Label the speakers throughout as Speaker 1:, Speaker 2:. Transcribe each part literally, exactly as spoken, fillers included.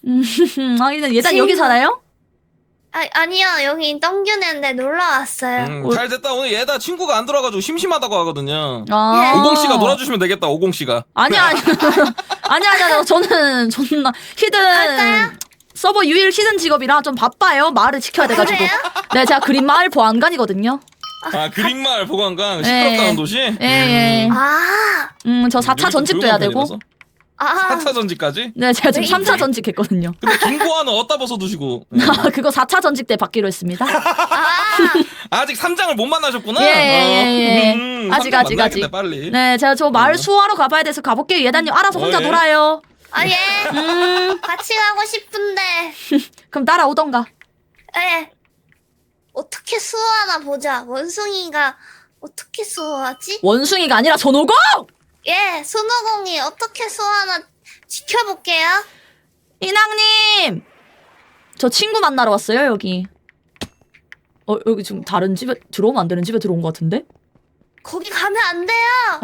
Speaker 1: 음, 하기는 얘단
Speaker 2: 지금-
Speaker 1: 여기 살아요?
Speaker 2: 아, 아니요, 여기 똥규네인데 놀러 왔어요.
Speaker 3: 음, 잘 됐다. 오늘 얘다 친구가 안 들어가지고 심심하다고 하거든요.
Speaker 1: 아.
Speaker 3: 오공 씨가 놀아주시면 되겠다. 오공 씨가.
Speaker 1: 아니야, 아니야. 아니야, 아니야. 저는 존나 히든
Speaker 2: 갈까요?
Speaker 1: 서버 유일 히든 직업이라 좀 바빠요. 마을을 지켜야 돼가지고.
Speaker 2: 그래요?
Speaker 1: 네, 제가 그린 마을 보안관이거든요.
Speaker 3: 아, 그린마을 보관관
Speaker 1: 예,
Speaker 3: 시끄럽다는 도시?
Speaker 1: 예, 예.
Speaker 2: 아,
Speaker 1: 음, 저 사 차 전직도 해야 되고.
Speaker 2: 아,
Speaker 3: 사 차 전직까지?
Speaker 1: 네, 제가 지금
Speaker 2: 왜
Speaker 1: 삼 차
Speaker 2: 이래?
Speaker 1: 전직 했거든요.
Speaker 3: 근데 김고아는 어디다 벗어 두시고. 예.
Speaker 1: 아, 그거 사 차 전직 때 받기로 했습니다.
Speaker 2: 아,
Speaker 3: 아직 삼 장을 못 만나셨구나?
Speaker 1: 예, 예, 예, 예.
Speaker 3: 음,
Speaker 1: 아직,
Speaker 3: 삼 장
Speaker 1: 아직,
Speaker 3: 만나야겠네,
Speaker 1: 아직.
Speaker 3: 빨리.
Speaker 1: 네, 제가 저 마을
Speaker 3: 어.
Speaker 1: 수호하러 가봐야 돼서 가볼게요. 예단님 알아서 혼자
Speaker 3: 어, 예.
Speaker 1: 놀아요.
Speaker 2: 아, 예.
Speaker 1: 음,
Speaker 2: 같이 가고 싶은데,
Speaker 1: 그럼 따라오던가.
Speaker 2: 예. 어떻게 수호하나 보자. 원숭이가 어떻게 수호하지?
Speaker 1: 원숭이가 아니라 손오공!
Speaker 2: 예, 손오공이 어떻게 수호하나 지켜볼게요.
Speaker 1: 인왕님! 저 친구 만나러 왔어요, 여기. 어, 여기 지금 다른 집에, 들어오면 안 되는 집에 들어온 것 같은데?
Speaker 2: 거기 가면 안 돼요.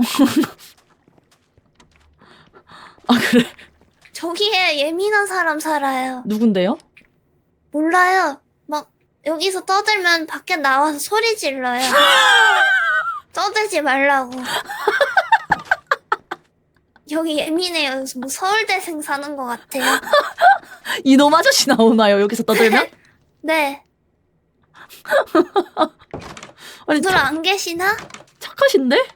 Speaker 1: 아, 그래?
Speaker 2: 저기에 예민한 사람 살아요.
Speaker 1: 누군데요?
Speaker 2: 몰라요. 막 여기서 떠들면 밖에 나와서 소리 질러요. 떠들지 말라고. 여기 예민해요. 뭐 서울대생 사는 것 같아요.
Speaker 1: 이놈 아저씨 나오나요, 여기서 떠들면?
Speaker 2: 네.
Speaker 1: 아니,
Speaker 2: 오늘
Speaker 1: 착,
Speaker 2: 안 계시나?
Speaker 1: 착하신데?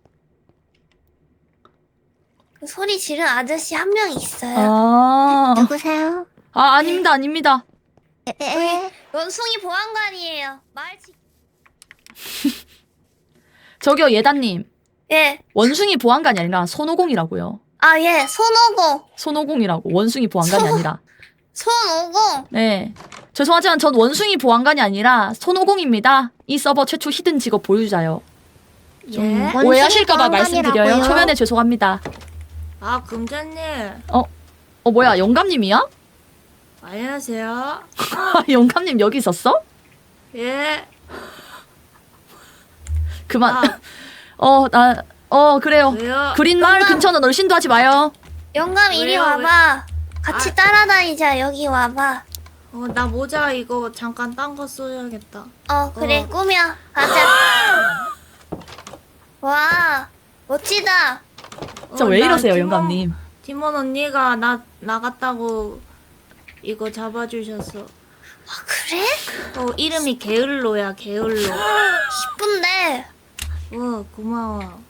Speaker 2: 그 소리 지른 아저씨 한 명 있어요.
Speaker 1: 아,
Speaker 4: 누구세요?
Speaker 1: 아, 아닙니다, 아닙니다.
Speaker 4: 에,
Speaker 2: 원숭이 보안관이에요. 마을 지...
Speaker 1: 저기요, 예단님.
Speaker 2: 예.
Speaker 1: 원숭이 보안관이 아니라 손오공이라고요.
Speaker 2: 아, 예. 손오공.
Speaker 1: 손오공이라고. 원숭이 보안관이
Speaker 2: 손-
Speaker 1: 아니라.
Speaker 2: 손오공.
Speaker 1: 네. 죄송하지만 전 원숭이 보안관이 아니라 손오공입니다. 이 서버 최초 히든 직업 보유자요. 좀
Speaker 4: 예?
Speaker 1: 오해하실까봐
Speaker 4: 원숭이
Speaker 1: 말씀드려요.
Speaker 4: 보안관이라고요?
Speaker 1: 초면에 죄송합니다.
Speaker 5: 아, 금자님.
Speaker 1: 어, 뭐야, 영감님이야?
Speaker 5: 안녕하세요.
Speaker 1: 영감님 여기 있었어?
Speaker 5: 예.
Speaker 1: 그만.
Speaker 5: 아,
Speaker 1: 어, 나, 어, 그래요.
Speaker 5: 왜요?
Speaker 1: 그린 마을
Speaker 2: 영감.
Speaker 1: 근처는 얼씬도 하지 마요.
Speaker 2: 영감 이리
Speaker 5: 왜요?
Speaker 2: 와봐. 같이
Speaker 5: 아.
Speaker 2: 따라다니자. 여기 와봐.
Speaker 5: 어, 나 모자 이거 잠깐 딴 거 써야겠다.
Speaker 2: 어, 그래.
Speaker 5: 어.
Speaker 2: 꾸며. 가자. 와, 멋지다.
Speaker 1: 진짜
Speaker 5: 어,
Speaker 1: 왜
Speaker 5: 나
Speaker 1: 이러세요,
Speaker 5: 팀원-
Speaker 1: 영감님?
Speaker 5: 팀원 언니가 나 나갔다고 이거 잡아주셨어.
Speaker 2: 아, 그래?
Speaker 5: 어, 이름이 게을로야, 게을로.
Speaker 2: 이쁜데.
Speaker 5: 어, 고마워.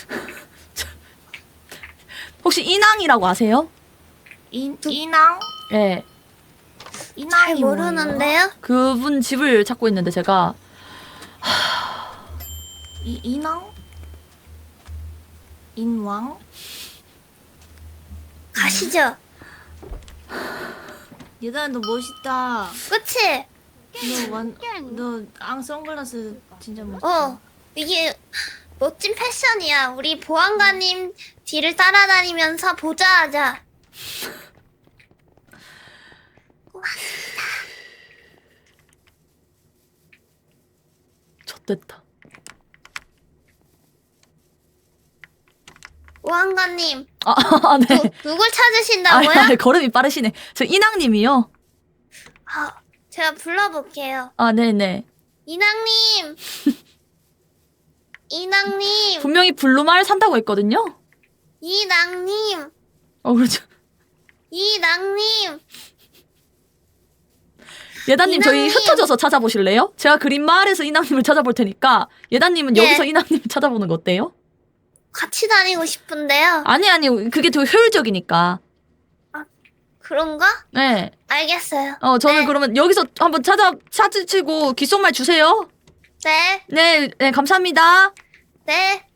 Speaker 1: 혹시 인왕이라고 아세요?
Speaker 5: 인, 이낭?
Speaker 1: 예.
Speaker 2: 잘
Speaker 5: 이낭이 뭐예요?
Speaker 2: 모르는데요?
Speaker 1: 그분 집을 찾고 있는데 제가
Speaker 5: 이, 이낭? 인왕?
Speaker 2: 가시죠.
Speaker 5: 얘들아, 너 멋있다.
Speaker 2: 그치?
Speaker 5: 너 완, 너 앙 선글라스 진짜 멋있다.
Speaker 2: 어. 이게 멋진 패션이야. 우리 보안관님 뒤를 따라다니면서 보자 하자.
Speaker 1: 좆됐다.
Speaker 2: 보안관님,
Speaker 1: 아, 아, 네.
Speaker 2: 누, 누굴 찾으신다고요?
Speaker 1: 아, 걸음이 빠르시네. 저 인왕님이요.
Speaker 2: 아, 제가 불러볼게요.
Speaker 1: 아, 네네.
Speaker 2: 이낭님! 이낭님!
Speaker 1: 분명히 블루마을 산다고 했거든요.
Speaker 2: 이낭님!
Speaker 1: 어, 그렇죠.
Speaker 2: 이낭님!
Speaker 1: 예단님 저희
Speaker 2: 인왕님.
Speaker 1: 흩어져서 찾아보실래요? 제가 그린 마을에서 인왕님을 찾아볼 테니까 예단님은
Speaker 2: 예.
Speaker 1: 여기서 인왕님을 찾아보는 거 어때요?
Speaker 2: 같이 다니고 싶은데요.
Speaker 1: 아니 아니 그게 더 효율적이니까.
Speaker 2: 그런가?
Speaker 1: 네.
Speaker 2: 알겠어요.
Speaker 1: 어 저는
Speaker 2: 네.
Speaker 1: 그러면 여기서 한번 찾아 찾으시고 귓속말 주세요.
Speaker 2: 네,
Speaker 1: 네, 네 감사합니다.
Speaker 2: 네.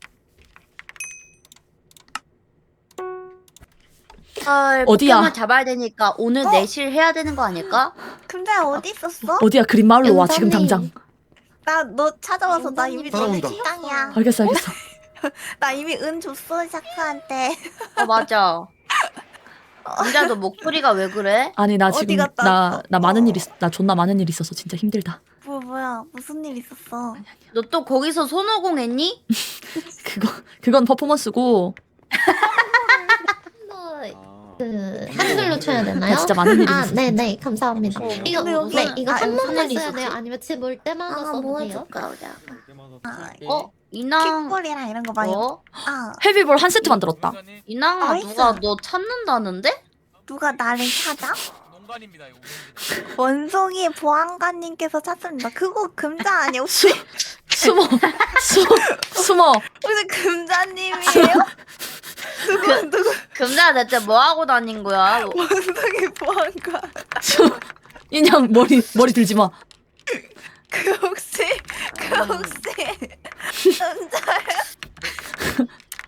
Speaker 4: 헐,
Speaker 1: 어디야?
Speaker 4: 포켓몬 잡아야 되니까 오늘
Speaker 2: 어?
Speaker 4: 내실 해야 되는 거 아닐까?
Speaker 6: 근데 어디 있었어?
Speaker 1: 어디야 그린 마을로 와 지금
Speaker 4: 연선이.
Speaker 1: 당장.
Speaker 6: 나 너 찾아와서 나 이미 너네
Speaker 7: 따라온다.
Speaker 6: 직장이야.
Speaker 1: 알겠어 알겠어.
Speaker 6: 나 이미 은 줬어 샤크한테.
Speaker 4: 어 맞아. 진짜 너 목소리가 왜 그래?
Speaker 1: 아니 나
Speaker 6: 어디
Speaker 1: 지금
Speaker 6: 갔다
Speaker 1: 나
Speaker 6: 왔어?
Speaker 1: 나 많은
Speaker 6: 어.
Speaker 1: 일 있, 나 존나 많은 일 있어서 진짜 힘들다.
Speaker 6: 뭐 뭐야 무슨 일 있었어?
Speaker 4: 너 또 거기서 손오공 했니?
Speaker 1: 그거 그건 퍼포먼스고
Speaker 7: 그 한글로 쳐야 되나요?
Speaker 1: 나 진짜 많은 일이
Speaker 7: 아,
Speaker 1: 있어.
Speaker 7: 네네 감사합니다. 이거
Speaker 6: 근데 여기-
Speaker 7: 네 이거
Speaker 6: 아,
Speaker 7: 한
Speaker 6: 무슨
Speaker 7: 번만
Speaker 4: 일이
Speaker 7: 써야
Speaker 4: 있었지?
Speaker 7: 돼요? 아니면 집 올 때마다
Speaker 2: 아,
Speaker 7: 써도
Speaker 2: 뭐
Speaker 7: 돼요?
Speaker 2: 해줄까, 우리 아가.
Speaker 6: 아,
Speaker 4: 어? 인왕
Speaker 6: 킥볼이랑 이런 거 많이.
Speaker 4: 어?
Speaker 6: 아,
Speaker 1: 헤비볼 한 세트 만들었다.
Speaker 4: 인왕아
Speaker 6: 나이스.
Speaker 4: 누가 너 찾는다는데?
Speaker 6: 누가 나를 찾아?
Speaker 3: 농간입니다 이거.
Speaker 6: 원송이 보안관님께서 찾습니다. 그거 금자 아니야 혹시?
Speaker 1: 숨어, 숨어, 숨어.
Speaker 6: 혹시 금자님이에요? 누구 누구
Speaker 4: 금자 대체 뭐 하고 다닌 거야? 뭐-
Speaker 6: 원송이 보안관?
Speaker 1: 숨어. 인형 머리 머리 들지 마.
Speaker 6: 그 혹시 그 혹시 금자예요?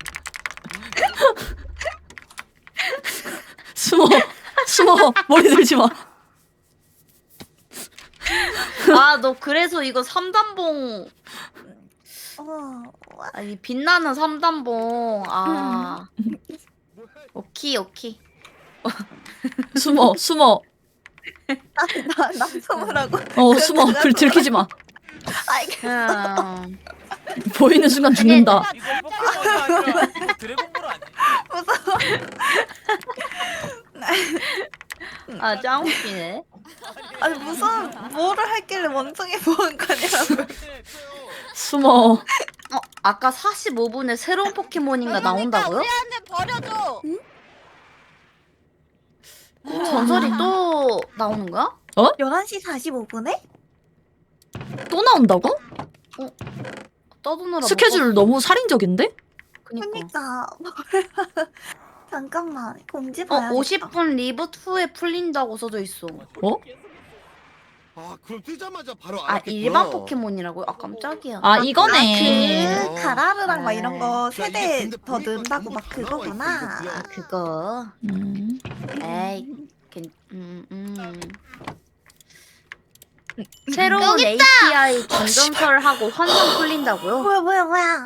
Speaker 1: 숨어, 숨어. 머리 들지 마.
Speaker 4: 아 너 그래서 이거 삼단봉
Speaker 6: 어,
Speaker 4: 아니 빛나는 삼단봉 아 오키 오키
Speaker 1: 숨어, 숨어.
Speaker 6: 나나 숨으라고.
Speaker 1: 어, 숨어. 글 들키지 마.
Speaker 6: 알겠어.
Speaker 4: 음.
Speaker 1: 보이는 순간 죽는다.
Speaker 3: 이거 포켓몬이 아니라 이거 드래곤볼 아니야?
Speaker 4: 아 짱 웃기네.
Speaker 6: 아니 무슨 뭐를 했길래 원송이 보안관이라고?
Speaker 1: 숨어.
Speaker 4: 어 아까 사십오 분에 새로운 포켓몬인가 나온다고요?
Speaker 2: 버려줘.
Speaker 4: 전설이 또 나오는 거야?
Speaker 6: 열한 시 사십오 분에?
Speaker 1: 또 나온다고?
Speaker 4: 떠드느라
Speaker 1: 스케줄 너무 살인적인데?
Speaker 4: 그니까.
Speaker 6: 그니까 잠깐만 공지
Speaker 4: 어
Speaker 6: 봐야겠다.
Speaker 4: 오십 분 리부트 후에 풀린다고 써져 있어.
Speaker 1: 어?
Speaker 8: 아 그럼 뜨자마자 바로
Speaker 4: 아
Speaker 8: 알았겠구나.
Speaker 4: 일반 포켓몬이라고요? 아 깜짝이야.
Speaker 1: 아, 이거네.
Speaker 6: 그 가라르랑 막 이런 거
Speaker 8: 자, 이게
Speaker 6: 세대
Speaker 8: 근데
Speaker 6: 더
Speaker 8: 보니까
Speaker 6: 넣는다고
Speaker 8: 정보
Speaker 6: 막
Speaker 8: 다 나와
Speaker 6: 그거구나.
Speaker 8: 있어, 이거
Speaker 4: 아 그거.
Speaker 1: 음.
Speaker 4: 에이. 괜- 음, 음. 새로운
Speaker 2: 여기
Speaker 4: 에이피아이 전전설하고 환상 풀린다고요?
Speaker 6: 뭐야 뭐야 뭐야?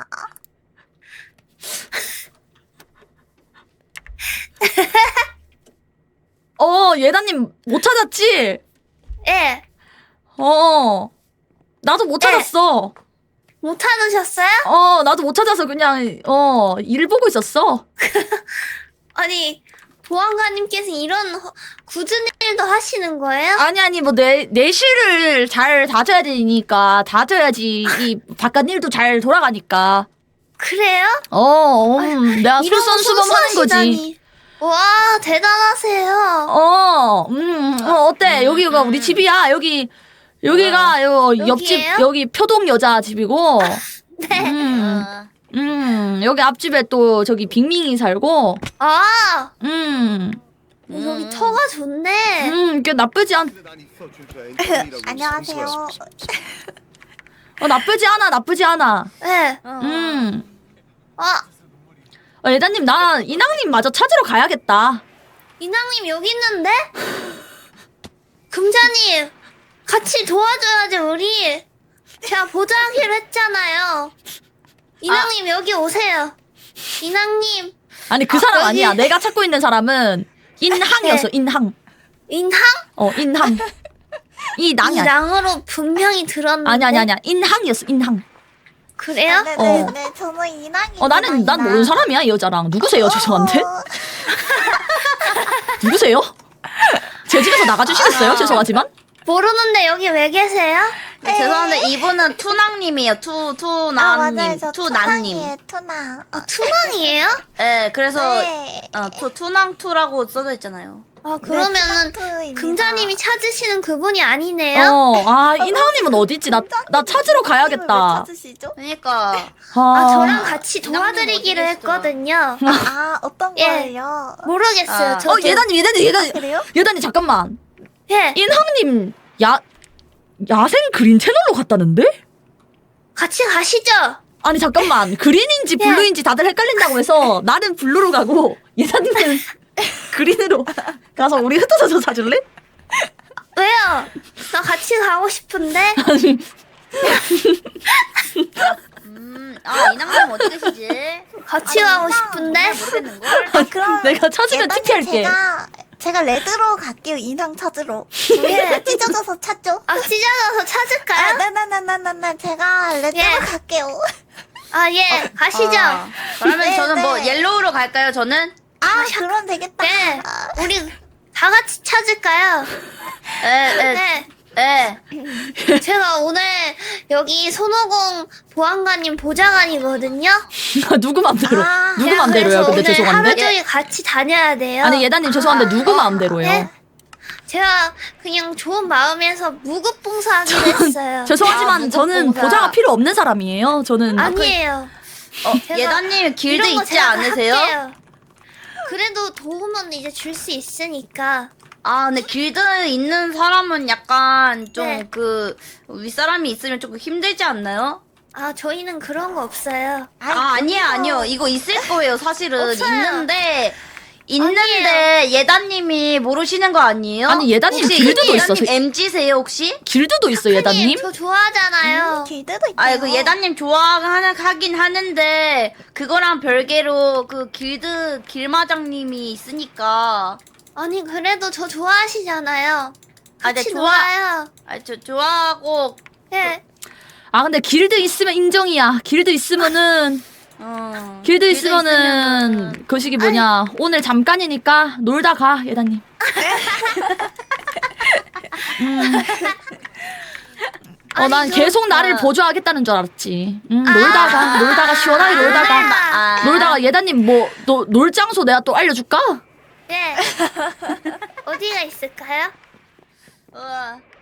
Speaker 1: 어, 예다님 못 찾았지?
Speaker 2: 예.
Speaker 1: 어. 나도 못 찾았어.
Speaker 2: 못 찾으셨어요?
Speaker 1: 어, 나도 못 찾아서 그냥, 어, 일 보고 있었어.
Speaker 2: 아니 보안관님께서 이런 허- 굳은 일도 하시는 거예요?
Speaker 1: 아니, 아니, 뭐, 내, 내실을 잘 다져야 되니까, 다져야지, 이, 바깥 일도 잘 돌아가니까.
Speaker 2: 그래요?
Speaker 1: 어, 음, 내가
Speaker 2: 이런 거
Speaker 1: 솔선수범하는 거지.
Speaker 2: 손수하시다니. 와 대단하세요.
Speaker 1: 어, 음, 어, 어때? 여기가 우리 집이야. 여기, 여기가, 요, 옆집,
Speaker 2: 여기예요?
Speaker 1: 여기 표동 여자 집이고,
Speaker 2: 네.
Speaker 1: 음,
Speaker 4: 아,
Speaker 1: 음, 여기 앞집에 또 저기 빅밍이 살고,
Speaker 2: 아
Speaker 1: 음,
Speaker 2: 어, 여기 터가 좋네.
Speaker 1: 음, 꽤 나쁘지 않,
Speaker 8: 근데 난 있어 진짜 엔터이라고
Speaker 6: 안녕하세요.
Speaker 1: 어, 나쁘지 않아, 나쁘지 않아.
Speaker 2: 네.
Speaker 1: 음.
Speaker 2: 아
Speaker 1: 어, 예다님, 나 이낭님 마저 찾으러 가야겠다.
Speaker 2: 이낭님 여기 있는데? 금자님 같이 도와줘야지 우리. 제가 보자기로 했잖아요. 이낭님 여기 오세요. 이낭님
Speaker 1: 아니, 그
Speaker 2: 아,
Speaker 1: 사람
Speaker 2: 여기-
Speaker 1: 아니야. 내가 찾고 있는 사람은 인항이었어,
Speaker 2: 네.
Speaker 1: 인항.
Speaker 2: 인항?
Speaker 1: 어, 인항. 이 낭이 아니야.
Speaker 2: 이낭으로 분명히 들었는데.
Speaker 1: 아니, 아니, 아니야. 인항이었어, 인항.
Speaker 2: 그래요?
Speaker 6: 네네네.
Speaker 1: 어.
Speaker 6: 네, 저는 이낭이.
Speaker 1: 어, 나는, 난 모르는 사람이야, 이 여자랑. 누구세요, 죄송한데? 누구세요? 제 집에서 나가주시겠어요? 죄송하지만.
Speaker 2: 모르는데 여기 왜 계세요?
Speaker 4: 네, 죄송한데 이분은 투낭님이에요. 투
Speaker 6: 아 맞아요.
Speaker 4: 투남님,
Speaker 6: 저
Speaker 4: 투남님.
Speaker 6: 투낭이에요. 투낭. 어,
Speaker 2: 투망이에요?
Speaker 4: 네, 그래서
Speaker 6: 네.
Speaker 4: 어, 투 투낭 투라고 써져 있잖아요.
Speaker 2: 아 그러면은
Speaker 6: 투낭투입니다.
Speaker 2: 금자님이 찾으시는 그분이 아니네요?
Speaker 1: 어, 아, 인항님은 어딨지? 나, 나 찾으러
Speaker 6: 왜
Speaker 1: 가야겠다.
Speaker 6: 찾으시죠?
Speaker 4: 그러니까
Speaker 1: 아,
Speaker 2: 아 저랑 같이
Speaker 4: 이낭님
Speaker 2: 도와드리기로
Speaker 4: 어디 계시더라?
Speaker 2: 했거든요.
Speaker 6: 아 어떤
Speaker 2: 예.
Speaker 6: 거예요?
Speaker 2: 모르겠어요.
Speaker 4: 아.
Speaker 2: 저도.
Speaker 1: 어, 예다님, 예다님, 예다님.
Speaker 6: 그래요?
Speaker 1: 예다님, 잠깐만.
Speaker 2: 예.
Speaker 1: 인항님, 야, 야생 그린 채널로 갔다는데?
Speaker 2: 같이 가시죠.
Speaker 1: 아니, 잠깐만. 그린인지
Speaker 2: 예.
Speaker 1: 블루인지 다들 헷갈린다고 해서 나는 블루로 가고, 예다님은 그린으로 가서 우리 흩어져서 사줄래?
Speaker 2: 왜요? 나 같이 가고 싶은데.
Speaker 1: 아니,
Speaker 4: 음, 아 이낭님 어디 계시지?
Speaker 2: 같이 가고 싶은데.
Speaker 4: 모르겠는 걸.
Speaker 6: 아 그럼
Speaker 1: 내가 찾으면
Speaker 6: 예단님
Speaker 1: 티피할게.
Speaker 6: 제가 제가 레드로 갈게요. 인상 찾으러.
Speaker 2: 예.
Speaker 6: 찢어져서 찾죠.
Speaker 2: 아 찢어져서
Speaker 6: 아,
Speaker 2: 찾을까요?
Speaker 6: 나나나나나나 제가 레드로
Speaker 2: 예.
Speaker 6: 갈게요.
Speaker 2: 아 예. 가시죠.
Speaker 4: 아, 그러면
Speaker 6: 네,
Speaker 4: 저는 뭐
Speaker 6: 네.
Speaker 4: 옐로우로 갈까요? 저는
Speaker 6: 아, 그럼 되겠다.
Speaker 2: 네, 우리 다 같이 찾을까요?
Speaker 4: 에에
Speaker 2: 네.
Speaker 4: 에.
Speaker 2: 제가 오늘 여기 손오공 보안관님 보좌관이거든요.
Speaker 1: 누구 맘대로?
Speaker 6: 아,
Speaker 1: 누구
Speaker 2: 제가
Speaker 1: 맘대로요?
Speaker 2: 그래서
Speaker 1: 근데
Speaker 2: 오늘 하루
Speaker 1: 죄송한데.
Speaker 2: 종일 같이 다녀야 돼요.
Speaker 1: 아니 예다님 죄송한데 누구 마음대로요?
Speaker 2: 네? 제가 그냥 좋은 마음에서 무급봉사하기로 했어요.
Speaker 1: 죄송하지만
Speaker 4: 아,
Speaker 1: 저는
Speaker 4: 무급봉사.
Speaker 1: 보좌가 필요 없는 사람이에요. 저는
Speaker 2: 아니에요.
Speaker 4: 어,
Speaker 2: 제가
Speaker 4: 예다님 길드
Speaker 2: 이런 거
Speaker 4: 있지
Speaker 2: 제가 다
Speaker 4: 않으세요?
Speaker 2: 할게요. 그래도 도움은 이제 줄 수 있으니까.
Speaker 4: 아, 근데 길드 있는 사람은 약간 좀
Speaker 2: 네.
Speaker 4: 그 윗사람이 있으면 조금 힘들지 않나요?
Speaker 2: 아, 저희는 그런 거 없어요.
Speaker 4: 아, 아니에요, 아니요. 이거 있을 거예요, 사실은.
Speaker 2: 없어요.
Speaker 4: 있는데, 있는데, 예다님이 모르시는 거 아니에요?
Speaker 1: 아니, 예다님
Speaker 4: 혹시
Speaker 1: 길드도
Speaker 4: 예다님
Speaker 1: 있어서-
Speaker 4: 엠지세요, 혹시?
Speaker 1: 길드도 있어 예다님.
Speaker 2: 저 좋아하잖아요.
Speaker 6: 길드도 있다.
Speaker 4: 아, 그 예다님 좋아하는, 하긴 하는데, 그거랑 별개로 그 길드 길마장님이 있으니까.
Speaker 2: 아니, 그래도 저 좋아하시잖아요.
Speaker 4: 아, 네,
Speaker 2: 같이
Speaker 4: 좋아.
Speaker 2: 놀아요.
Speaker 4: 아, 저 좋아하고,
Speaker 2: 네.
Speaker 1: 아 근데 길드 있으면 인정이야. 길드 있으면은
Speaker 4: 어.
Speaker 1: 길드
Speaker 4: 길드
Speaker 1: 있으면은
Speaker 4: 있으면은-
Speaker 1: 그 시기 뭐냐 오늘 잠깐이니까 놀다 가 예다님. 음. 어, 난
Speaker 2: 아니, 저-
Speaker 1: 계속 나를
Speaker 4: 어.
Speaker 1: 보조하겠다는 줄 알았지. 음, 놀다가, 놀다가, 시원하게 놀다가.
Speaker 4: 아.
Speaker 1: 놀다가, 예다님, 뭐, 너, 놀 장소 내가 또 알려줄까?
Speaker 2: 네. 어디가 있을까요?
Speaker 4: 우와.